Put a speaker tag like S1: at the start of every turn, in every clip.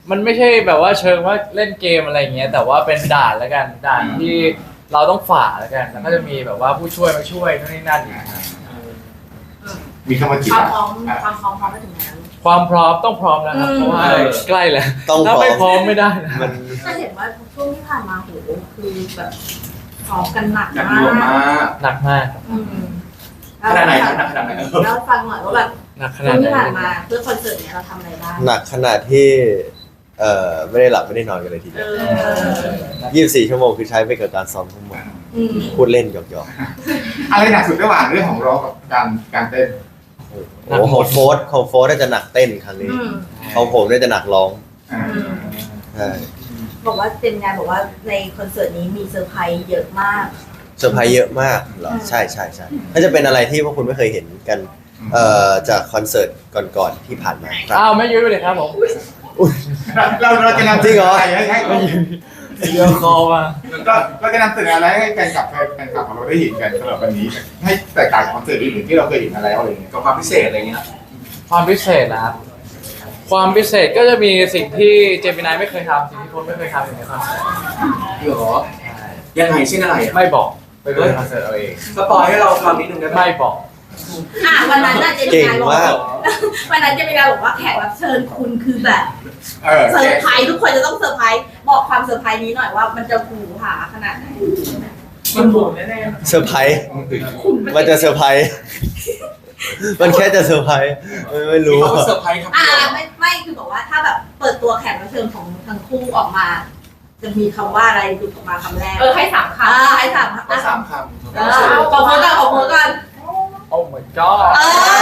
S1: มันไม่ใช่แบบว่าเชิงว่าเล่นเกมอะไรเงี้ยแต่ว่าเป็นด่านแล้วกันด่านที่เราต้องฝ่าแล้วกันแล้วก็จะมีแบบว่าผู้ช่วยมาช่วยนู่นนี่นั่นอีกครับ
S2: มีคำว่าจี
S3: ค
S2: บ
S3: วามพร้อมพร้อมไปถึงไหนแล้ว
S1: ความพร้อมต้องพร้อมแล้วครับเพราะว่าใกล้แล้ว
S4: ต้องพร้
S1: ถ้า
S4: อม
S1: ไม่พร้อมไม่ได้นะ
S4: มัน
S3: จะเห็นว่าช่วงที่ผ่านมาโหคือแบบซ้อมกันหนัก
S2: หนัก
S3: มา
S2: หน่วงมาก
S1: หนักมากครับ
S3: อืม
S2: ขนาดไหนครับหนักขนาดไหน
S3: แล้วฟังหน่อยว่าแบบ
S1: หนักข
S3: ช่
S1: นาว ด
S3: ง
S1: ไห
S3: ที่ผ่าน
S1: น
S3: มาเพื่อคอนเสิร์ตเนี้ยเราทำอะไรบ้าง
S4: หนักขนาดที่ไม่ได้หลับไม่ได้นอนกันเลยทีเดียว24 ชั่วโมงคือใช้ไปกับการซ้อมทั้งหมด
S3: อืม
S4: พูดเล่นหยอก
S2: อะไรหนักสุดระหว่างเรื่องของร้องกับการเต้น
S4: ๆโอ้โหของโฟร์น่าจะหนักเต้นครั้งนี้
S3: อืม
S4: ของผมน่าจะหนักร้อง
S2: อ่า
S4: ใช่
S3: บอกว่าเต็มงานบอกว่าในคอนเสิร์ตนี้มีเซอร์ไพรส์เยอะมาก
S4: เซอร์ไพรส์เยอะมากเหรอใช่ใช่ใช่น่าจะเป็นอะไรที่พวกคุณไม่เคยเห็นกันจากคอนเสิร์ตก่อนๆที่ผ่านมาครับ
S1: อ้าวไม่ยุ้ยไปเลยครับผม
S2: เราจะนำ
S4: จริงเหรอ
S2: ให้
S1: เดี๋ยวคอมา
S2: เราจะนำเสนออะไรให้แฟนคลับของเราได้เห็นกันสำหรับวันนี้ ให้แตกต่างจากคอนเสิร์ตอื่นๆที่เราเคยเห็นมาแล้วอะไรอย่างเงี้ย
S5: กับความพิเศษอะไรเงี้ย
S1: ความพิเศษนะครับความพิเศษก็จะมีสิ่งที่เจมินายไม่เคยทำสิ่งที่โค้ชไม่เคยทำอยู่ในคอนเสิร์ต
S5: เหรอยังไงเช่นอะไรอ่ะ
S1: ไม่บอกไปดูในคอนเสิร์ตเอาเอง
S5: สปอยให้เราฟังนิดนึงได้ไหม
S1: ไม่บอก
S3: วันนั้นน่ะเจมิ
S4: เก่ง
S3: นายบอก
S4: มาก
S3: วันนั้นเจมินายบอกว่าแขกรับเชิญคุณคือแบบ
S2: เออ
S3: เซอร์ไพรส์ทุกคนจะต้องเซอร์ไพรส์บอกความเซอร์ไพรส์นี้หน่อยว่ามันจะหูหาขนาดไหน
S5: มันโหดแน่
S4: เซอร์ไพรส์มันจะเซอร์ไพรส์มันแค่จะเซอร์ไพรส์ไม่
S5: ๆ
S4: รู้
S5: เขาเซอร์ไพรส์ครับ
S3: ไม่คือบอกว่าถ้าแบบเปิดตัวแขกรับเชิญของทั้งคู่ออกมา จะมีคำว่าอะไรหลุดออกมาคำแรกให้สามคำให้สามคำ
S5: ก็สามค
S3: ขอโพสกันขอโพสกัน
S1: โอ้ my god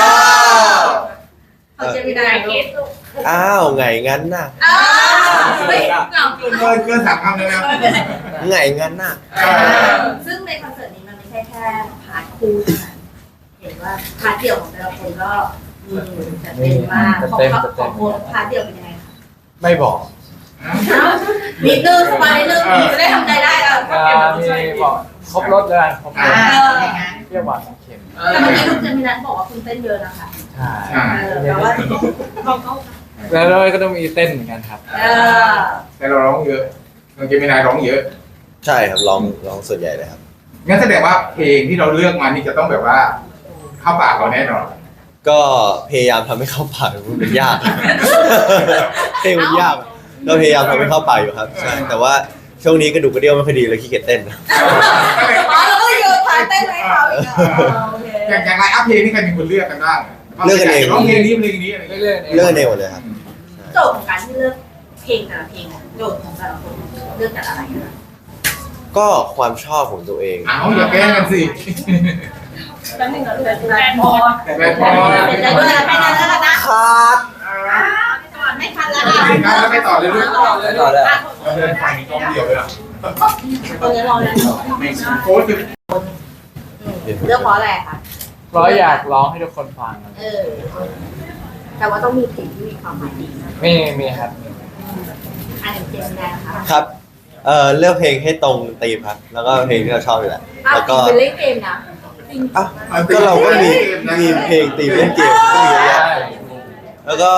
S3: เขาเจมินายคิด
S4: อ้าวไงงั้นน่ะ
S3: เฮ้ยเหงา
S2: เกินสามคำเลยนะ
S4: ไงงั้นน่ะ
S3: ซึ่งในคอนเสิร์ตนี้มันไม่ใช่แค่พาร์ทคู่เท่านั้นเห็นว่าพาร์ทเดี่ยวของแต่ละคนก็จัดเต็มมากของโพสพาร์ทเดี่ยวเป็นยังไงคะ
S1: ไม่บอก
S3: นิดนึงสบายนิดนึงจะได้ทำใจได้แล้ว
S1: มีบอกครบรถเลยครบรสเปรี้ยวหวานเค็ม
S3: แต่เมื่อกี้ลูกเจมินายบอกว่าคุณเต้นเยอะนะคะ
S1: ใช่
S3: แปลว่าบอกเขา
S1: แล้วก็ต้องมีเต้นเหมือนกันครับ
S2: แต่เราร้องเยอะเราจะมีนายร้องเยอะ
S4: ใช่ครับร้องส่วนใหญ่เลยครับ
S2: งั้นแสดงว่าเพลงที่เราเลือกมานี่จะต้องแบบว่า เข้าปากเราแน่นอน
S4: ก็พยายามทำให้เข้าปากมันยาก เพลงมันยากก็พยายามทำให้เข้าปากอยู่ครับใช่แต่ว่าช่วงนี้กระดูกกระเดี่ยวไม่ค่อยดีเลยขี้เกียจเต้น
S3: อ๋อเราก็โยนพาเต้นให้เขาอีกโอเค
S2: อย่างไรอัพเพลงนี่ใครเป็นคนเลือกกันบ้าง
S4: เลือกกันเอง
S2: ร้องเพลงนี้เพลงนี้อะไร
S1: เรื่
S2: เงี้ย
S1: อยๆ
S4: เลื่อนเองหมดเลยครับ
S3: โจทย์ของการที่เลือกเพลงแต่ละเพลงโจทย์ของแต่ละคนเลือกจากอะไรนะ
S4: ก็ความชอบของตัวเอง
S2: อ้าวอย่าแกล้งกันสิ
S3: แป๊บนึงนะแฟนพอ
S2: แต่พอ
S3: เป็นใจด้วยนะแค่นั้นแล้วกันนะ
S4: ครับ
S3: ไม่ทันแล้ว
S2: แล้วไปต่อเลยลูก
S4: ต่อเลย
S2: เราเดินทางนี้กล้องเดียวเลยอ่ะ
S3: ตอนนี้รอเลย
S2: โค้ชคือ
S3: เลือกเพราะอะไรคะ
S1: เพราะอยากร้องให้ทุกคนฟัง
S3: แต่ว่าต้องมีเพลงที่มีความหมายดีนะ
S1: มีครับ
S3: อันหนึ่งเจมส์แดงนะคะ
S4: ครับเลือกเพลงให้ตรงธีมครับแล้วก็เพลงที่เราชอบอยู่แหละแล้วก็
S3: เป็นเล่นเกมนะ
S4: อ่ะก็เราก็มีเพลงธีมเล่นเกมก็มีเยอะแยะแล้วก็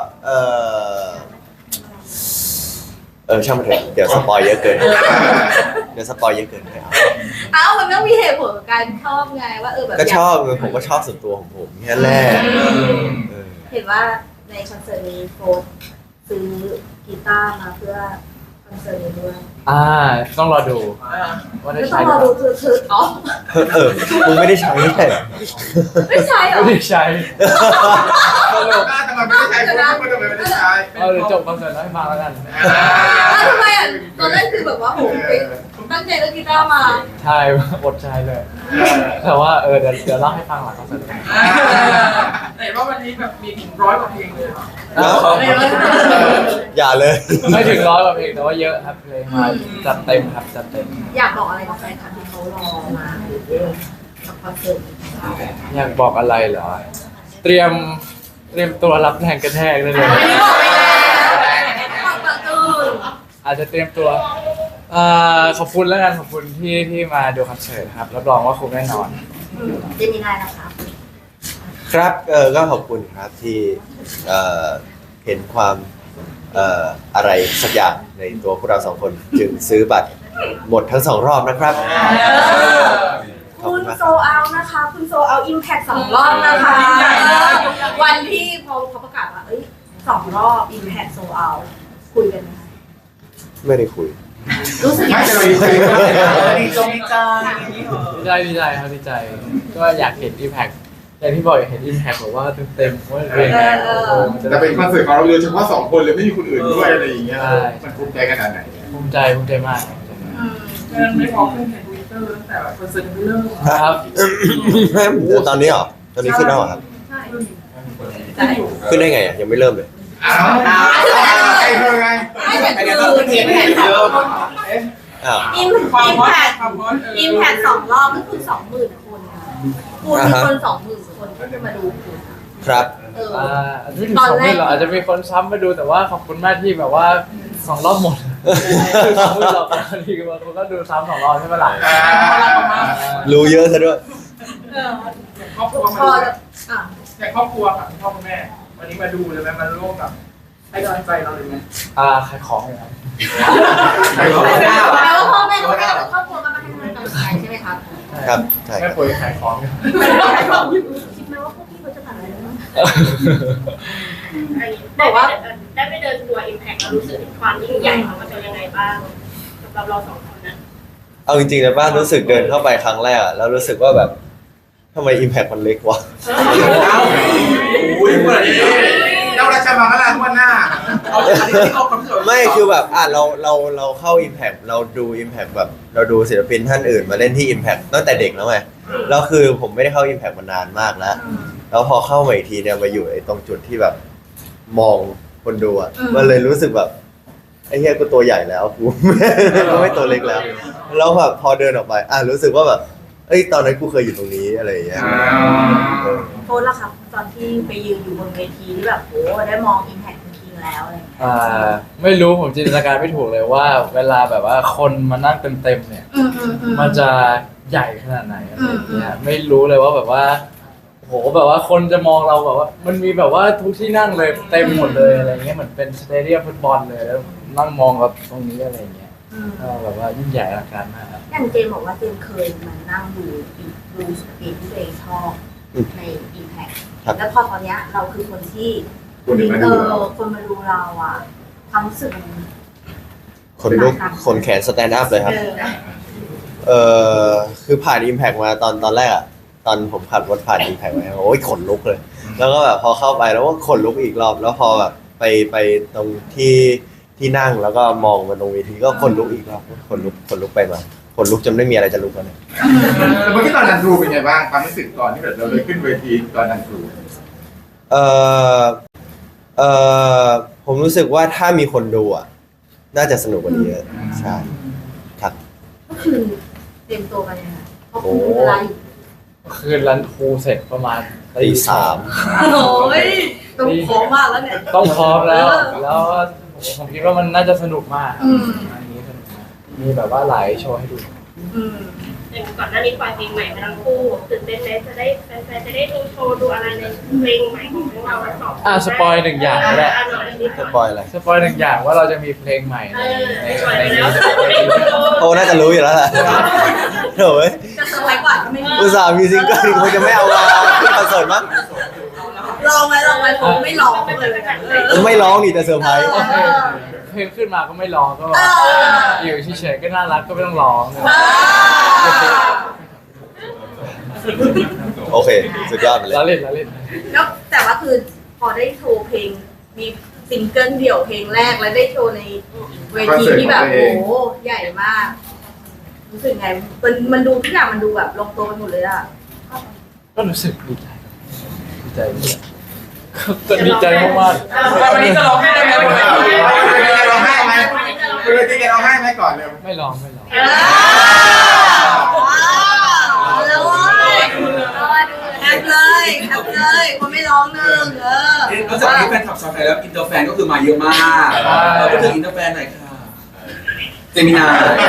S4: ช่างมันเถอะเดี๋ยวสปอยเยอะเกินเดี๋ยวสปอยเยอะเกินไปเอา
S3: มันต้องมีเหตุผลของการชอบไงว่าแบบ
S4: ก็ชอบผมก็ชอบส่วนตัวของผมแค่แรก
S3: เห็นว่าในคอนเสิร์ตนี้โฟร์ซื้อกีตาร์มาเพื่อคอนเสิร์ตนี้ด้วย
S1: ต้องรอดูว่าได้
S3: ไม่ต้อ
S1: ใช้
S3: ง
S1: ห
S3: ร
S1: รือ อ
S3: ดู
S1: เปล่า
S3: คืออ๋อ
S4: มึงไม่ได้ใช้ไม่ใช่เหรอ
S3: ไม่ใช่เหรอ
S1: ไม่ได้ใช้
S2: ตลกทำไมไม่ได้ใช้โค้ชทำไมไม่ได้ใช้
S1: เอาเดี๋ยวจบคอนเสิร์ตแล้วให้ฟังแล้วกัน
S3: ทำไมอ่ะตอนแรกคือแบบว่าผมตั้งใจเล่นกีตาร์มา
S1: ใช่อดใช้เลย แต่ว่าเดี๋ยวเล่าให้ฟังหลังคอนเสิร์ต
S5: ไหนว่าวันนี้แบบมีถึง100 กว่าเพลงเลยเหรอ
S4: อย่าเลย
S1: ไม่ถึง100 กว่าเพลงแต่ว่าเยอะครับเพลงมาจัดเต็มครับจัดเต็ม
S3: อยากบอกอะไรกับแฟนคลับที่เขารอมาหรือกับคอนเสิร์ตของเรา
S1: อยากบอกอะไรเหรอ เตรียมตัวรับแรงกระแทกได้เลย
S3: อันนี้บอกไปแล้วบอกประตู
S1: อาจจะเตรียมตัวขอบคุณแล้วกันขอบคุณที่มาดูคอนเสิร์ตครับรับรองว่าคุ้มแน่นอน
S3: เจมินายนะคะ
S4: ครับก็ขอบคุณครับที่เห็นความอะไรสักอย่างในตัวพวกเรา2 คนจึงซื้อบัตรหมดทั้ง2 รอบนะครับขอบ
S3: คุ
S4: คุณ ณมาก
S3: โซเอานะคะคุณโซเอาอิมแพค2 รอบนะคะวันที่พอเขาประกาศว่า2 รอบอิมแพคโซเอาคุยกันไหม
S4: ไม่ได้คุย
S3: รู้สึก
S2: ไม่
S3: ยังไง
S2: จะเราดีใจมาก
S5: ดีจงดีใจอย่างนี้เหรอ
S1: ดีใจครับดีใจก็อยากเห็น Impact อย่างที่บอกอยากเห็น Impact แบบว่าเต็มๆว่าเป็นยังไง
S2: แต่เป็นคอนเสิร์ตของเราโดยเฉพาะ2 คนเลยไม่มีคนอื่นด้วยอะไรอย่างเงี้ยมันภูมิใจขนาดไหน
S1: ภูมิใจมาก
S5: ไม่พอขึ้นในทวิตเตอร์ตั้งแต่คอนเสิร์ตเริ่ม
S1: ครับ
S4: ตอนนี้เหรอตอนนี้ขึ้นแล้วเหรอครับ
S3: ใช่
S4: ขึ้นได้ไงอ่ะยังไม่เริ่มเลย
S2: อ้าวใครเธอไง
S3: ไม่แต่คืออิมแพค
S4: อ้าว
S3: อิมแพคอิมแพค2 รอบก็คือ 20,000 คนนะคุณมีคน 20,000 คนที่มาดูคุณ
S4: ครับ
S1: อาจจะไม่ถึง20,000หรอกอาจจะมีคนซ้ำมาดูแต่ว่าขอบคุณมากที่แบบว่า2 รอบหมดคือ20,000รอบแล้วทีบางคนก็ดูซ้ำ2 รอบใช่ไหมล่ะ
S4: รู้เยอะซะด้วย
S5: ครอบครัว
S3: พอ
S5: มา
S3: อ่ะ
S5: แต่ครอบครัวค่ะพ่อคุณแม่วันนี้มาดูเลยไหมมาร่วมกับให้กำลังใจเราเลยไหม
S1: ขายของเลยครับ
S2: ใครบอก
S3: แปลว่าพ่อแม่ก็ไม่ได้ครอบครัวก็มาให้กำลังใจใช่ไหมครับ
S4: ครับใช่ค
S1: แม่
S4: รับ
S1: ป่วยขายของอยู่
S3: คิดไหมว่าพวกพี่เขาจะผ่านอะไรบ้าง
S6: บอกว่าได้ไปเดินทัวร์ Impact เรารู้สึกถึงความยิ่งใหญ่ของมันเป็นยังไงบ้างสำหรับเรา2 คนนะ
S4: เอาจริงๆนะบ้านรู้สึกเดินเข้าไปครั้งแรกอะแล้วรู้สึกว่าแบบทำไม Impact มันเล็กวะ
S2: อุ้ยเมื่อไหร่เราราชมังคลาทุกวันหน้า
S4: ไม่คือแบบเราเข้า Impact เราดู Impact แบบเราดูศิลปินท่านอื่นมาเล่นที่ Impact ตั้งแต่เด็กแล้วไงแล้วคือผมไม่ได้เข้า Impact มานานมากแล้วแล้วพอเข้ามาอีกทีเนี่ยมาอยู่ไอ้ตรงจุดที่แบบมองคนดูอ่ะมันเลยรู้สึกแบบไอ้เหี้ยกูตัวใหญ่แล้วกู กูไม่ตัวเล็กแล้วแล้วแบบพอเดินออกไปรู้สึกว่าแบบเอ้ยตอนนั้นกูเคยอยู่ตรงนี้อะไรอย่างเงี้ย
S3: โทษละครับตอนที่ไปยืนอยู่บนเวทีที่แบบโอ้ได้มองอิมแพคจริงๆแล้วอะไรอย่างเงี้ย
S1: ไม่รู้ผมจินตนาการไม่ถูกเลยว่า เวลาแบบว่าคนมานั่งเต็มๆเนี่ย มันจะใหญ่ขนาดไหนอะไรอย่างเงี้ยไม่รู้เลยว่าแบบว่าโหแบบว่าคนจะมองเราแบบว่า มันมีแบบว่าทุกที่นั่งเลยเต็มหมดเลยอะไรเงี้ยเหมือนเป็นสเตเดียมฟุตบอลเลยแล้วนั่งมองกับตรงนี้อะไรเงี้ยแบบว่ายิ่งใหญ่อลังการมากครับ
S3: อย่างเจมบอกว่าเจมเคยมานั่งดูสปีดที่ตัวเองชอบในอิมแพคแล้วพอตอนเนี้ยเราคือคนที่คนมาดูเราอ่ะความรู้สึกมัน
S4: คนลุกคนแขนสแตนด์อัพเลยครับคือผ่าน Impact มาตอนแรกอะตอนผมขับรถผ่าน Impact มาโอ้ยขนลุกเลย แล้วก็แบบพอเข้าไปแล้วก็ขนลุกอีกรอบแล้วพอแบบไปตรงที่นั่งแล้วก็มองมาตรงเวทีก็ขนลุกอีกรอบขนลุกไปมาขนลุกจนไม่มีอะไรจะลุกแล้วเนี่ย
S2: เมื่อกี้ตอนนันทรูเป็นไงบ้างความรู้สึกตอนที่แบบเราได้ขึ้นเวทีตอนนันทรู
S4: ผมรู้สึกว่าถ้ามีคนดูอ่ะน่าจะสนุกกว่านี้เยอะใช่ครับ
S3: ก็คือเตรียมตัวกันยังไงเพราะคุณมีเวลาอยู่
S1: คืนรันทูเสร็จประมาณ
S4: ตี 3
S3: โอ้ยต้องพร้อมมากแล้วเนี่ย
S1: ต้องพร้อมแล้วผมคิดว่ามันน่าจะสนุกมากอันนี้สนุกมากมีแบบว่าหลายโชว์ให้ดู
S6: อย่างก่อนหน้านี้ปล่อยเพลงใหม่มาทั้งคู่ตื่นเต้นไหมจะได้แฟนๆจะได้ดูโชว์ดูอะไรในเพลงใหม่ของพวกเราทั้ง2
S1: สปอย1 อย่างก็ได้
S4: สปอยอะไร
S1: สปอย1 อย่างว่าเราจะมีเพลงใหม่ในนี้
S4: โอ้น่าจะรู้อยู่แล้วแหละโถ่เว้ย
S3: จะสวยกว่าก็ไม่มี
S4: อุตส่าห์มีซิงเกิลคงจะไม่เอามาขึ้นคอนเสิร์ตมั้ง
S3: ลองไหมผมไม่ลองเลย
S4: ไม่ร้องนี่แต่เซอร์ไพรส์
S1: เพลงขึ้นมาก็ไม่ร้องก็แบบอยู่เฉยๆก็น่ารักก็ไม่ต้องร้อง
S4: โอเคสุดยอดไปเลย
S1: แล้วเล่น
S3: แล้วแต่ว่าคือพอได้โชว์เพลงมีซิงเกิลเดี่ยวเพลงแรกแล้วได้โชว์ในเวทีที่แบบโอ้โหใหญ่มากรู้สึกไงมันดูทุกอย่างมันดูแบบลงตัวไปหมดเลยอ่ะ
S1: ก็รู้สึกดีใจดีใจมาก
S5: วันนี้จะร้องไห้ได้ไหมวันนี้
S2: เราให้ไหมคือจริงๆเราให้ไหมก่อนเร็ว
S1: ๆไม่ร้อง
S3: แล้วแอบเลยคนไม่ร้องหนึ่ง
S7: นอกจากนี้แฟนคลับชาวไทยแล้วอินเตอร์แฟนก็คือมาเยอะมากพูดถึงอินเตอร์แฟนหน่อยค่ะเจมินา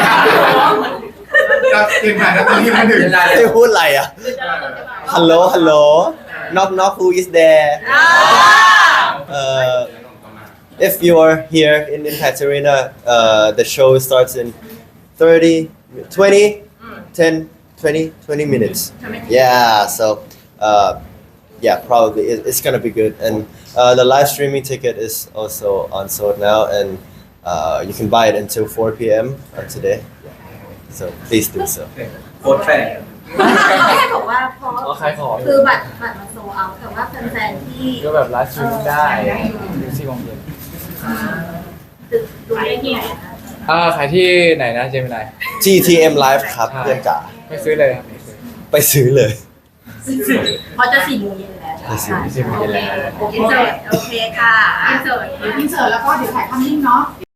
S2: เราเต็มผ่านแล้วตอนที่มาถึง
S4: ไม่พูดอะไรอ่ะฮัลโหล knock who is there if you are here in Impact Arena, the show starts in 30, 20, 10, 20 minutes. Yeah, so yeah, probably it's gonna be good. And the live streaming ticket is also on sold now, and you can buy it until 4 p.m. Today. So please do so.
S7: โค้ดแฟน
S3: แค่บอกว่าพอ
S1: ก็ขายของ
S3: คือบัตรมันโซเอาแต่ว่าแฟนๆที่
S1: ก็แบบไลฟ์สตรีมมิ่งได้ถึง4 โมงเย็น
S3: ดูได้ที่ไหนคะ
S1: ขายที่ไหนนะเจมินาย
S4: GTM Live ครับเพื่อนจ๋า
S1: ไปซื้อเลยครับ
S4: ไปซื้อเลย
S3: เพราะจะ4 โมงเย็นแล้ว
S1: 4 โมงเย็นแล้ว
S3: โอเคค่ะ
S8: อินเสิร์ตแล้วก็เดี๋ยวถ่ายภาพนิ่งเนาะ